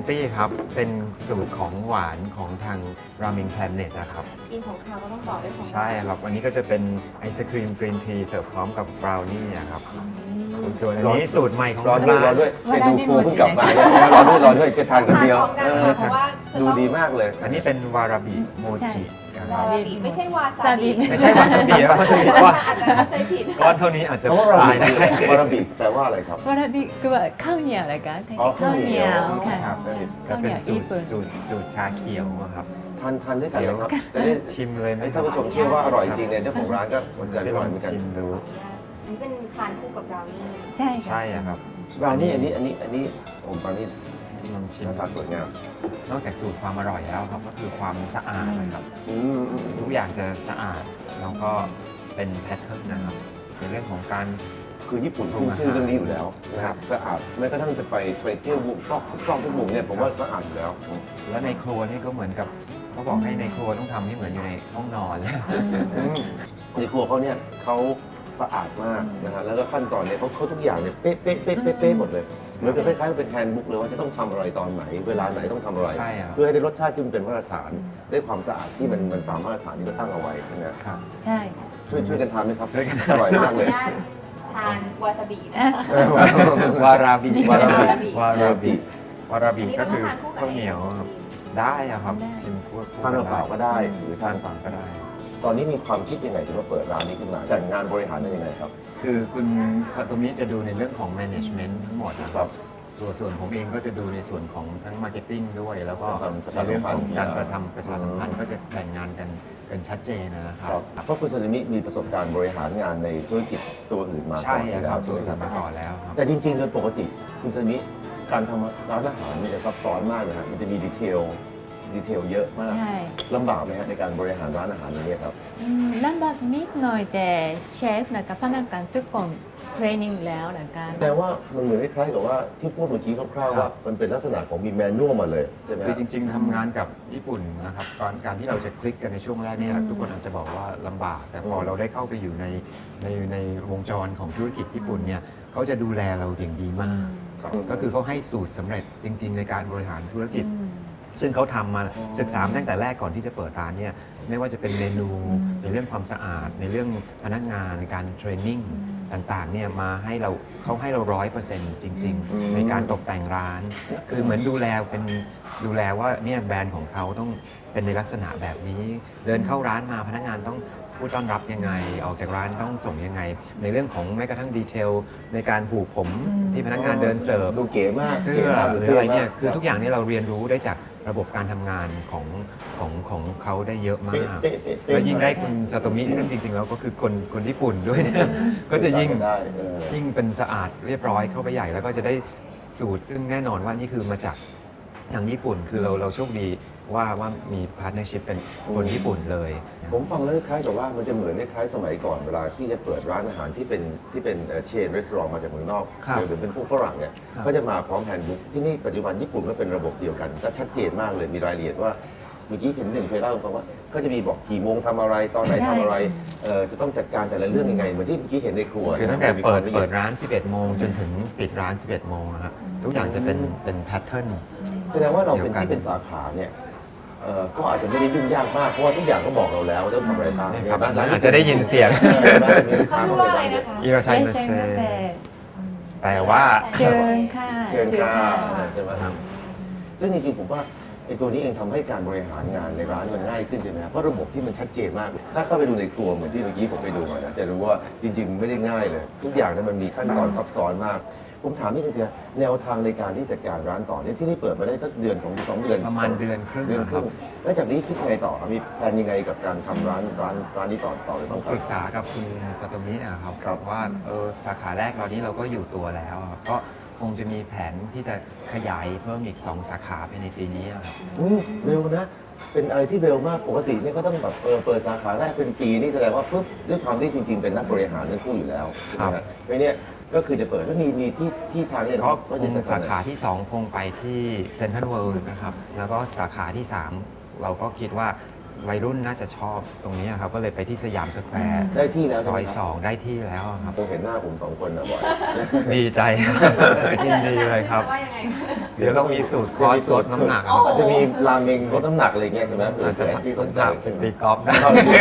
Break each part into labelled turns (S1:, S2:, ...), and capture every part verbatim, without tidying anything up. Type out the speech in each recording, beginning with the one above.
S1: ตี้ครับ เป็นสูตรของหวานของทางรามิงแพลเน็ตนะครับ
S2: กินของคาวก็ต้องต่อด้วยของหวาน
S1: ใช่ครับ วันนี้ก็จะเป็นไอศครีมกรีนทีเสิร์ฟพร้อมกับบราวนี่ครับส่วนอันนี้สูตรใหม่ของ
S3: รอด้วยรอ
S1: ร้าน
S3: ด้วยไปดูครัวเพิ่งกลับมาเนี่ยรอด้วยรอด้วยจะทานคนเดียว
S2: ทานพร้อมกันค่ะเพราะว่าจะ
S3: ดู
S2: ต้อง
S3: ดีมากเลย
S1: อันนี้เป็นวาราบิโมจินะคว
S2: า
S1: รับ
S2: ราบิไม่ใช่วาซา
S4: ซาบิ
S2: บิ
S1: ไม่ใช่วาซาบิครับวาซาบิก้อน
S2: อาจจะเข้าใจผิด
S1: ก้อนเท่านี้อาจจะ
S3: เพราะว่าเรา
S1: ตายได้
S3: วาราบิแปลว่าอะไรครับ
S4: วาราบิคือว่าข้าวเหนียวนะคะ
S3: อ๋อ
S4: ข้าวเหนียวค่ะ
S1: ครับก็เป็นสูตรสูตรสูตรชาเขียวอะครับ
S3: ทานทานด้วยกันเลยครับจะได้
S1: ชิมเลยไหม
S3: ให้
S1: ครั
S3: ท่าน
S1: บ
S3: ผู้ชมเชื่อว่าอร่อยจริงเนี่ยเจ้าของร้านก็สนใจ
S1: ไป
S3: อ
S1: ล
S3: ร่
S1: อ
S3: อย
S1: ง
S3: เหมือนกัน
S1: ชิมดู
S2: อันนี้เป็นทานคู่กับบราวนี่
S4: ใช่ค่ะ
S1: ใช่อะครับ
S3: ร้านนี้อันนี้อันนี้อันนี้ผมตอนนี้
S1: ลองชิม
S3: หน้าตาสวยงาม
S1: นอกจากสูตรความอร่อยแล้วครับก็คือความสะอาดนะครับ
S3: อืมอืมอืม
S1: ทุกอย่างจะสะอาดแล้วก็เป็นแพทเทิร์นนะครับในเรื่องของการ
S3: คือญี่ปุ่นขึ้นชื่อเรื่องนี้อยู่แล้วนะค
S1: ครั
S3: รับบ สะอาดแม้กระทั่งจะไปไปเที่ยวบุกซอกซอกทุกมุมเนี่ยผมว่าสะอาดอยู่แล้ว
S1: และในครัวนี่ก็เหมือนกับเขาบอกให้ในครัวต้องทำให้เหมือนอยู่ในห้องนอนแล้ว
S3: อืมในครัวเขาเนี่ยเขาสะอาดมากนะฮะแล้วก็ขั้นตอนเนี่ยเขาเขาทุกอย่างเนี่ยเป๊ะเป๊ะเป๊ะเป๊ะเป๊ะหมดเลยเหมือนกับคล้ายๆเป็นแฮนด์บุ๊กเลยว่าจะต้องทำอะไรตอนไหน เวลาไหนต้องทำอะไร
S1: ใช่ครับ
S3: เพื่อให้ได้รสชาติที่มันเป็นมาตรฐานได้ความสะอาดที่มันมันตามมาตรฐานที่เขาตั้งเอาไว้ใช่ไหมครับ
S1: ครับ
S4: ใช่
S3: ช่วยช่วยกันทำไหมครับ
S1: ช่วยกัน
S3: อร่อยมากเลย
S2: ขออนุญาตทานวาซาบินะ
S1: วาราบิ
S3: วาราบิ
S1: วาราบิวารา
S2: อั
S1: บิ
S2: นนี้
S1: ก็
S2: เราต้อ
S1: คื
S2: ง
S1: อ
S2: ทานคู่กับ
S1: ข้าวเหนียวครับได้อะครับชิมคู่คู่
S3: ทานเปล่าๆก็ได้หรือ
S1: ทา
S3: ทาน น
S1: เปล่าก็ได้
S3: ตอนนี้มีความคิดยังไงถึงมาเปิดร้านนี้ขึ้นมาแต่งงานบริหารเป็นยังไงครับ
S1: คือคุณซาโตมิจะดูในเรื่องของ management ทั้งหมดนะค
S3: ครั
S1: รับบ ส่วนส่วนผมเองก็จะดูในส่วนของทั้ง marketing ด้วย แล้วก็
S3: ประชา
S1: ใน
S3: สัมพันธ์
S1: เรื่องของการประทำประชาสัมพันธ์ก็จะแบ่งงานกันเป็นชัดเจนนะครับ
S3: เพราะคุณซานิมิมีประสบการณ์บริหารงานในธุรกิจตัวอื่นมา
S1: ใช่
S3: ก่อนอยู่
S1: ค
S3: แล้
S1: รั
S3: ว
S1: บ
S3: ใช่
S1: ส่
S3: ไห
S1: ว
S3: ม
S1: น
S3: ครับ
S1: มาก่อนแล้วครับ
S3: แต่จริงๆ โดยปกติคุณซานิมิการทำร้านอาหารมันจะซับซ้อนมากเลยครับมันจะมีดีเทลดีเทลเยอะมาก
S4: ใช่
S3: ลำบากไหมครับในการบริหารร้านอาหารอย่างนี้ยครับ
S4: อืมลำบากนิดหน่อยแต่เชฟนะคะพนักงานทุกคนเทรนนิ่งแล้วนะคะ
S3: แต่ว่ามันเหมือนคล้ายๆกับว่าที่พูดเมื่อกี้คร่าวๆ
S1: ครั
S3: ว่า
S1: บ
S3: มันเป็นลักษณะของมีแมนนวลมาเลยใช่ไหม
S1: คือจริง ๆทำงานกับญี่ปุ่นนะครับตอนการที่เราจะคลิกกันในช่วงแรกเนี่ยทุกคนอาจจะบอกว่าลำบาก แต่พอเราได้เข้าไปอยู่ในในในวงจรของธุรกิจญี่ปุ่นเนี่ยเขาจะดูแลเราอย่างดีมาก
S3: ครับ
S1: ก็คือเขาให้สูตรสำเร็จจริง ๆ ในการบริหารธุรกิจ
S4: อืม
S1: ซึ่งเขาทำมาศึกษามาตั้งแต่แรกก่อนที่จะเปิดร้านเนี่ยไม่ว่าจะเป็นเมนูในเรื่องความสะอาด ในเรื่องพนักงานในการเทรนนิ่งต่างๆเนี่ยมาให้เราเขาให้เราร้อยเปอร์เซ็นต์จริง
S3: อืม
S1: ๆ ในการตกแต่งร้าน คือเหมือนดูแลเป็นดูแลว่าเนี่ยแบรนด์ของเขาต้องเป็นในลักษณะแบบนี้ เดินเข้าร้านมาพนักงานต้องพูดต้อนรับยังไง ออกจากร้านต้องส่งยังไง ในเรื่องของแม้กระทั่งดีเทลในการผูกผมที่พนักงานเดินเสิร์ฟ
S3: ดูเก๋มาก
S1: เสื้
S3: ก๋
S1: อ
S3: มาก
S1: หรืออะไรเนี่ย
S3: ท่มาก
S1: คือทุกอย่างนี่เราเรียนรู้ได้จากระบบการทำงานของของของเขาได้เยอะมาก
S3: เป๊ะเป๊ะเป๊ะ
S1: แล้วยิ่งได้คุณซาโตมิซึ่งจริงๆแล้วก็คือคนคนญี่ปุ่นด้วยเนี่ยก็จะยิ่ง
S3: ได้เออ
S1: ยิ่งเป็นสะอาดเรียบร้อยเข้าไปใหญ่แล้วก็จะได้สูตรซึ่งแน่นอนว่านี่คือมาจากทางญี่ปุ่น คือเราเราโชคดีว่าว่ามีพาร์ทเนอร์ชิพเป็นคนญี่ปุ่นเลย
S3: ผมฟังแล้วคล้ายกับว่ามันจะเหมือนคล้ายๆสมัยก่อนเวลาที่จะเปิดร้านอาหารที่เป็นที่เป็นเชนรีสอร์ทมาจากเมืองนอก
S1: ครับ
S3: หรือเป็นพวกฝรั่งเนี่ย
S1: ครับ
S3: ก็จะมาพร้อมแฮนด์บุ๊กที่นี่ปัจจุบันญี่ปุ่นก็เป็นระบบเดียวกันก็ชัดเจนมากเลยมีรายละเอียดว่าเมื่อกี้เห็นหนึ่งเคยเล่าให้ฟังว่าก็จะมีบอกกี่โมงทำอะไรตอนไหน
S4: ใช่
S3: ทำอะไรเอ่อจะต้องจัดการแต่ละเรื่องยังไงเหมือนที่เมื่อกี้เห็นในครัว
S1: คือตั้งแต่
S3: มี
S1: เปิด
S3: ความละอี
S1: เปิ
S3: ย
S1: ดร้าน สิบเอ็ด โมงจนถึงปิดร้าน สิบเอ็ด โมงนะครับทุกอย่างจะเป็นเป็นแพทเทิร์น
S3: แสดงว่าเราเป็น
S1: เดียวกัน
S3: ที่เป็นสาขาเนี่ยเอ่อก็อาจจะไม่ได้ยุ่งยากมากเพราะว่าทุกอย่างก็บอกเราแล้วว่าต้องทำอะไรบ้าง
S1: ครับอาจจะได้ยินเสียง
S2: เขาพูดว่าอะไรนะคะ
S1: อิราชัยมาเซ แปลว่า
S4: เชิญค่ะ
S3: เชิญค่ะ
S4: ค่ะ
S3: ใช่ไหมครับซึ่งจริงๆผมว่าไอ้ตัวนี้เองทำให้การบริหารงานในร้านมันง่ายขึ้นใช่ไหมครับเพราะระบบที่มันชัดเจนมาก ถ้าเข้าไปดูในครัวเหมือนที่เมื่อกี้ผมไปดูมานะจะรู้ว่าจริงๆไม่ได้ง่ายเลย ทุกอย่างเนี่ยมันมีขั้นตอนซับซ้อนมาก ผมถามนิดนึงสิแนวทางในการที่จัดการร้านต่อเนี่ยที่นี่เปิดมาได้สักเดือนสองสองเดือน
S1: ประมาณเดือนครึ่ง
S3: เดือนครึ่ง
S1: ครับ
S3: แล้วจากนี้คิดไงต่อครับมีแผนยังไงกับการทำร้านร้านร้านนี้ต่อต่อเลยบ้างค
S1: ป
S3: รับ
S1: รึกษากับคุณซาโตมินะครับ
S3: ครับ
S1: ว่าเออสาขาแรกเรานี้เราก็อยู่ตัวแล้วครับก็คงจะมีแผนที่จะขยายเพิ่มอีก สอง สาขาภายในปีนี้ครับ
S3: อืมเร็วนะ เป็นอะไรที่เร็วมาก ปกติเนี่ยก็ต้องแบบเออเปิดสาขาแรกเป็นปีนี่แสดงว่าปุ๊บด้วยความที่จริงๆ เป็นนักบริหารทั้งคู่อยู่แล้วใช่ไหมฮะเพราะเนี่ยก็คือจะเปิดก็มีมีที่ที่ทางเนี่ย
S1: ก็
S3: ก็
S1: ค
S3: จะ
S1: ง
S3: จัด
S1: สาขาที่ สอง คงไปที่เซนทรัลเวิลด์นะครับ แล้วก็สาขาที่ สาม เราก็คิดว่าวัยรุ่นน่าจะชอบตรงนี้ครับ ก็เลยไปที่สยามสแควร์
S3: ได้ที่แล้ว
S1: ซอย
S3: ใช่ไหมครับ
S1: สองได้ที่แล้วครับ
S3: ผมเห็นหน้าผมสองคนนะบ่อย
S1: ดีใจครับ ยินดีเลยครับ
S2: ว่ายังไง
S1: เดี๋ยวเรามีสูตรคอร์สลดน้ำหนักครับ
S3: อาจจะมีราเมงลดน้ำหนักอะไรเงี้ยใช่ไหม
S1: อาจจะ
S3: ที่ส
S1: ต้อน ง
S3: ใจ
S1: พาไปตีกอล์ฟได้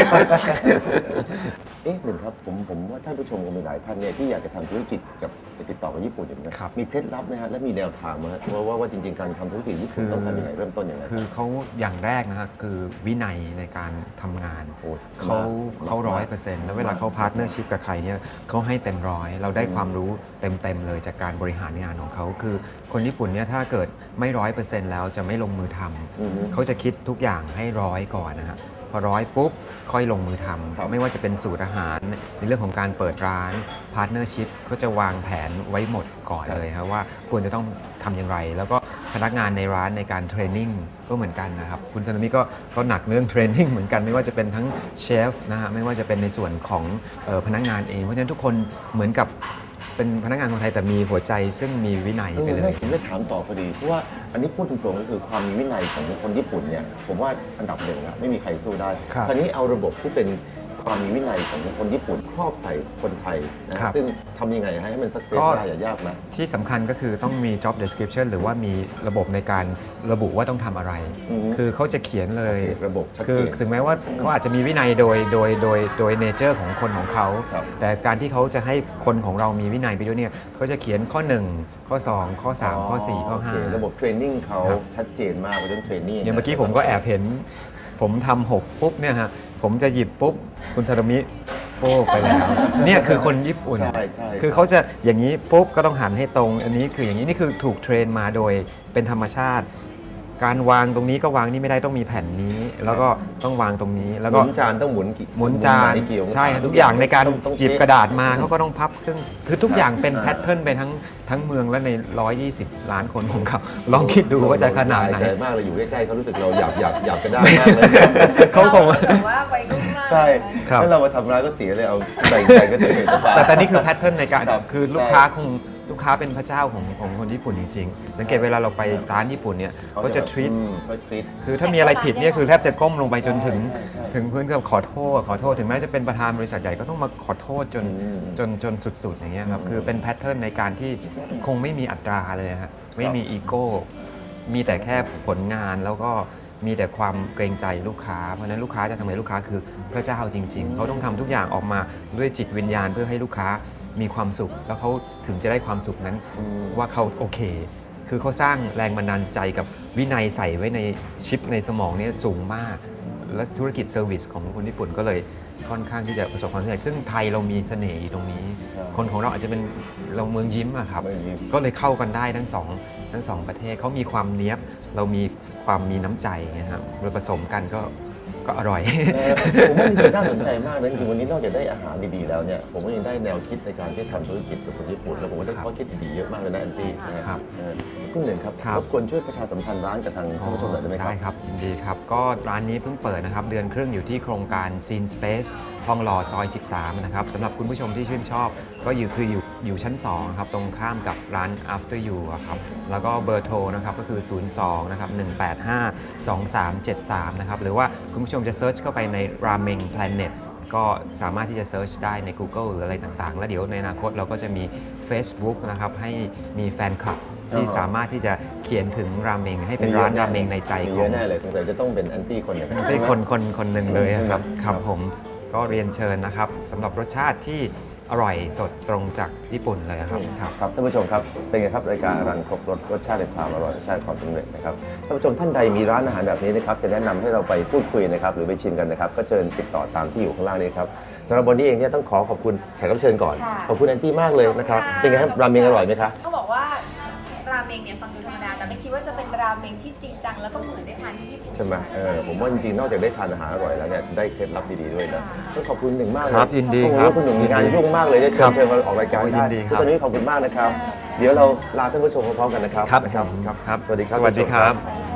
S3: เอ๊ะหนึ่งครับผมผมว่าท่านผู้ชมคงมีหลายท่านเนี่ยที่อยากจะทำธุรกิจกับติดต่อกับญี่ปุ่นอย่างนี้ย
S1: ครับ
S3: มีเคล็ดลับไหมฮะและมีแนวทางไหมฮะว่าว่าว่าจริงๆการทำธุรกิจญี่ปุ่นต้องทำยังไงเริ่มต้นยังไง
S1: คือเขาอย่างแรกนะฮะคือวินัยในการทำงาน
S3: โอ้
S1: เขา
S3: มก
S1: เขาร้อยเปอร์เซ็นต์แล้วเวลาเขาพาร์ทเนอร์ชิพกับใครเนี่ยเขาให้เต็มร้อย เราได้ความรู้เต็มๆเลยจากการบริหารงานของเขาคือคนญี่ปุ่นเนี่ยถ้าเกิดไม่ร้อยเปอร์เซ็นต์แล้วจะไม่ลงมือทำ
S3: อือฮึ
S1: เขาจะคิดทุกอย่างให้ร้อยก่อนนะฮะพอร้อยปุ๊บค่อยลงมือท
S3: ครับ
S1: ำไม่ว่าจะเป็นสูตรอาหารในเรื่องของการเปิดร้านพาร์ทเนอร์ชิพเขาจะวางแผนไว้หมดก่อนเลยครับว่าควรจะต้องทำอย่างไร แล้วก็พนักงานในร้านในการเทรนนิ่งก็เหมือนกันนะครับคุณซานามิก็ก็หนักเรื่องเทรนนิ่งเหมือนกันไม่ว่าจะเป็นทั้งเชฟนะฮะไม่ว่าจะเป็นในส่วนของเอ่อพนักงานเอง เพราะฉะนั้นทุกคนเหมือนกับเป็นพนักงานคนไทยแต่มีหัวใจซึ่งมีวินัย
S3: เออ
S1: ไปเล
S3: ไม่
S1: ย
S3: ผมได้ถามต่อพอดีเพราะว่าอันนี้พูดตรงๆก็คือความมีวินัยของคนญี่ปุ่นเนี่ยผมว่าอันดับหนึ่งนะไม่มีใครสู้ได้
S1: ครับ
S3: คราวนี้เอาระบบที่เป็นความมีวินัยของคนญี่ปุ่นครอบใส่คนไทยนะครับ ซึ่งทำยังไงให้มันสักเซส
S1: ก็
S3: ได้อย่ายากไหม
S1: ที่สำคัญก็คือต้องมี job description หรือว่ามีระบบในการระบุว่าต้องทำอะไร
S3: อือฮึ
S1: คือเขาจะเขียนเลย
S3: ระบบชัดเจน
S1: คือถึงแม้ว่าเขาอาจจะมีวินัยโดยโดยโดยโดยเนเจอร์ของคนของเขา
S3: ครับ
S1: แต่การที่เขาจะให้คนของเรามีวินัยไปด้วยเนี่ยเขาจะเขียนข้อ หนึ่ง ข้อ สอง ข้อ สาม ข้อ สี่ ข้อ
S3: โเค
S1: ห้า
S3: ระบบเทรนนิ่งเขา
S1: ครับ
S3: ชัดเจนมากเรื่องเทรนนิ่ง
S1: อย่างเมื่อกี้ผมก็แอบเห็น ผมทำหกปุ๊บเนี่ยฮะผมจะหยิบปุ๊บคุณซาโตมิโป้ไปแล้ว เนี่ยคือคนญี่ปุ่น
S3: ใช่ใช่
S1: คือเขาจะอย่างนี้ปุ๊บก็ต้องหันให้ตรง อันนี้คืออย่างนี้นี่คือถูกเทรนมาโดยเป็นธรรมชาติ การวางตรงนี้ก็วางนี่ไม่ได้ต้องมีแผ่นนี้ แล้วก็ต้องวางตรงนี้แล้ว
S3: ห
S1: ก็
S3: มุนจานต้องหมุนกี่
S1: หมุนจาน
S3: ไหกี่องศา
S1: ใช่ครับทุกอย่างในการ
S3: ต้องต้อง
S1: หยิบ
S3: เช็ค
S1: กระดาษมาเขาก็ต้องพับเครื่องคือทุกอย่างเป็น
S3: อ่า
S1: แพทเทิร์นไปทั้งทั้งเมืองและใน หนึ่งร้อยยี่สิบ ล้านคนของเขาลองคิดดูว่าจะขนาดไหน
S3: ใจมากเลยอยู่ใกล้ๆเขารู้สึกเราอยากอยากอยากจะได้มากเลย
S1: เขาคง
S2: แบบว่าวัยรุ่นมาก
S3: ใช่
S1: ครับ
S3: ถ้าเรามาทำร้ายก็เสียเลยเอาใส่ใจก็จะเห็นสบาย
S1: แต่แต่นี่คือแพทเทิร์นในการ
S3: ครับ
S1: คือลูกค้าคงลูกค้าเป็นพระเจ้าของของคนญี่ปุ่นจริงๆ สังเกตเวลาเราไปร้านญี่ปุ่นเนี่ยเขาจะทรีต
S3: อืมเขาทรีต
S1: คือถ้ามีอะไรผิดเนี่ยคือแทบจะก้มลงไปจนถึงถึงพื้นกับขอโทษขอโทษถึงแม้จะเป็นประธานบริษัทใหญ่ก็ต้องมาขอโทษจน
S3: อืม
S1: จนจนสุดๆอย่างเงี้ยครับคือเป็นแพทเทิร์นในการที่คงไม่มีอัตราเลยฮะไม่มีอีโก้มีแต่แค่ผลงานแล้วก็มีแต่ความเกรงใจลูกค้าเพราะฉะนั้นลูกค้าจะทำให้ลูกค้าคือพระเจ้าจริง ๆ เขาต้องทำทุกอย่างออกมาด้วยจิตวิญญาณเพื่อให้ลูกค้ามีความสุข แล้วเขาถึงจะได้ความสุขนั้นว่าเขาโอเค คือเขาสร้างแรงบันดาลใจกับวินัยใส่ไว้ในชิปในสมองเนี่ยสูงมาก และธุรกิจเซอร์วิสของคนญี่ปุ่นก็เลยค่อนข้างที่จะประสบความสำเร็จซึ่งไทยเรามีเสน่ห์อยู่ตรงนี้ คนของเราอาจจะเป็นเราเมืองยิ้มอะครับ
S3: เมืองยิ้ม
S1: ก็เลยเข้ากันได้ทั้งสองทั้งสองประเทศเขามีความเนี้ยบเรามีความมีน้ำใจนะครับเราผสมกันก็ก็อร่อย
S3: เออผมว่าจริงๆน่าสนใจมากนะจริงๆวันนี้นอกจากได้อาหารดีๆแล้วเนี่ยผมก็ยังได้แนวคิดในการที่ทำธุรกิจกับคนญี่ปุ่นแล้วผมก็ได้
S1: ครับ
S3: ข้อคิดดีๆเยอะมากเลยนะแอนตี้นะครับ เออคุณหนึ่งครับ
S1: ครับ
S3: รบกวนช่วยประชาสัมพันธ์ร้านกับทางท่านผู้ชมหน่อยได้ไหมครับ
S1: ได้ครับยินดีครับ ก็ร้านนี้เพิ่งเปิดนะครับ เดือนครึ่งอยู่ที่โครงการ Scene Space ทองหล่อซอย สิบสาม นะครับสำหรับคุณผู้ชมที่ชื่นชอบ ก็อยู่คืออยู่อยู่ชั้น สองครับ ตรงข้ามกับร้าน After You อะครับ แล้วก็เบอร์โทรนะครับก็คือ ศูนย์ สอง นะครับ หนึ่ง แปด ห้า สอง สาม เจ็ด สาม นะครับ หรือว่าคุณผู้ชมจะเซิร์ชเข้าไปใน Ramen Planet ก็สามารถที่จะเซิร์ชได้ใน Google หรืออะไรต่างๆ แล้วเดี๋ยวในอนาคตเราก็จะมี Facebook นะครับให้มีแฟนคลับที่สามารถที่จะเขียนถึงราเมงให้เป็นร้านราเมงในใจ
S3: มี
S1: ข
S3: เย
S1: อง
S3: อะแน่เลยสงสัยจะต้องเป็นแอนตี้คนหนึ่ง
S1: ได้คนคนคนหนึ่งเลยอะครับ
S3: ใช่ไหม
S1: ครับผมก็เรียนเชิญนะครับสำหรับรสชาติที่อร่อยสดตรงจากญี่ปุ่นเลยครับครับ
S3: ครับท่านผู้ชมครับเป็นไงครับรายการอรันครบรสรสชาติในความอร่อยรสชาติความสำเร็จนะครับท่านผู้ชมท่านใดมีร้านอาหารแบบนี้นะครับจะแนะนำให้เราไปพูดคุยนะครับหรือไปชิมกันนะครับก็เชิญติดต่อตามที่อยู่ข้างล่างนี้ครับสำหรับวันนี้เองเนี่ยต้องขอขอบคุณแขกรับเชิญก่อน
S2: ค่ะ
S3: ขอบคุณแอนตี้มากเลยนะครับเป็นไงครับราเมงอร่อยไหมคะ
S2: เขาบอกว่าราเมงเนี่ยฟังดูธรรมดาแต่ไม่คิดว่าจะเป็นราเมงที่จริงจังแล้วก็เหมือนได้ทานที่ญี่ปุ่น
S3: ใช่ไหมเออผมว่าจริงๆนอกจากได้ทานอาหารอร่อยแล้วเนี่ยได้เคล็ดลับดีๆด้วยนะต้องขอบคุณหนึ่งมากเลย
S1: ครับยินดี
S3: โอ้โห
S1: ครับ
S3: คุณหนึ่งมีงานยุ่งมากเลยได้เชิ
S1: ครั
S3: ญ
S1: บ
S3: เชิญมาออกรายการ
S1: โอ้ยยิ
S3: ได้
S1: นดีครับ
S3: ตอนนี้ขอบคุณมากนะครับ เดี๋ยวเราลาท่านผู้ชมพร้อมๆกันนะครับ
S1: ครับ
S3: นะครับ
S1: ครับครับ
S3: สวัสดีครับ
S1: สวัสดีครับ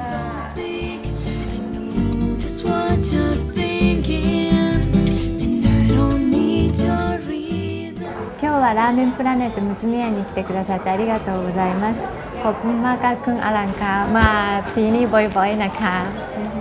S5: speak. I know just what you're thinking, and I don't need your reason.
S4: 今日はラーメンプラネットむつみ屋に来てくださってありがとうございますขอบคุณมากค่ะคุณอลังค่ะมาที่นี่บ่อยๆนะคะ